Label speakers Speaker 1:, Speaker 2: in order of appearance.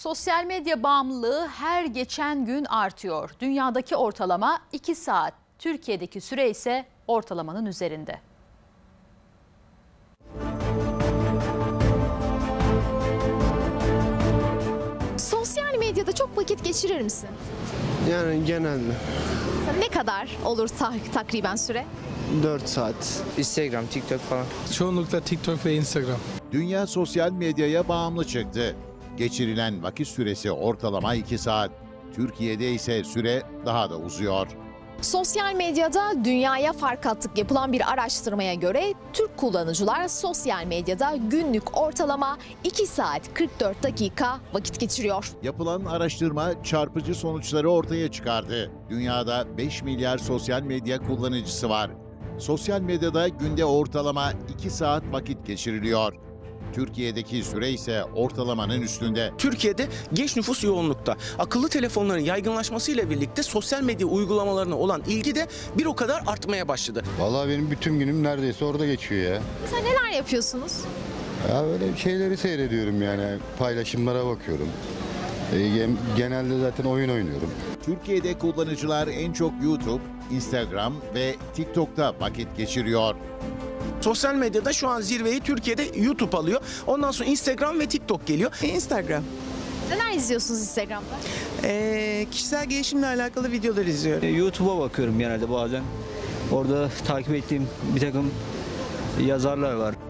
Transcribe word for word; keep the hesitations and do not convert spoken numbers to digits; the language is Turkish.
Speaker 1: Sosyal medya bağımlılığı her geçen gün artıyor. Dünyadaki ortalama iki saat, Türkiye'deki süre ise ortalamanın üzerinde.
Speaker 2: Sosyal medyada çok vakit geçirir misin?
Speaker 3: Yani genelde
Speaker 2: Ne kadar olur ta- takriben süre?
Speaker 3: dört saat.
Speaker 4: Instagram, TikTok falan.
Speaker 5: Çoğunlukla TikTok ve Instagram.
Speaker 6: Dünya sosyal medyaya bağımlı çıktı. Geçirilen vakit süresi ortalama iki saat. Türkiye'de ise süre daha da uzuyor.
Speaker 2: Sosyal medyada dünyaya fark attık yapılan bir araştırmaya göre Türk kullanıcılar sosyal medyada günlük ortalama iki saat kırk dört dakika vakit geçiriyor.
Speaker 6: Yapılan araştırma çarpıcı sonuçları ortaya çıkardı. Dünyada beş milyar sosyal medya kullanıcısı var. Sosyal medyada günde ortalama iki saat vakit geçiriliyor. Türkiye'deki süre ise ortalamanın üstünde.
Speaker 7: Türkiye'de genç nüfus yoğunlukta. Akıllı telefonların yaygınlaşmasıyla birlikte sosyal medya uygulamalarına olan ilgi de bir o kadar artmaya başladı.
Speaker 8: Vallahi benim bütün günüm neredeyse orada geçiyor ya.
Speaker 2: Mesela neler yapıyorsunuz?
Speaker 8: Ya böyle şeyleri seyrediyorum yani, paylaşımlara bakıyorum. E, gen- genelde zaten oyun oynuyorum.
Speaker 6: Türkiye'de kullanıcılar en çok YouTube, Instagram ve TikTok'ta vakit geçiriyor.
Speaker 7: Sosyal medyada şu an zirveyi Türkiye'de YouTube alıyor. Ondan sonra Instagram ve TikTok geliyor.
Speaker 9: Instagram.
Speaker 2: Neler izliyorsunuz Instagram'da?
Speaker 9: Ee, kişisel gelişimle alakalı videolar izliyorum.
Speaker 4: YouTube'a bakıyorum genelde bazen. Orada takip ettiğim bir takım yazarlar var.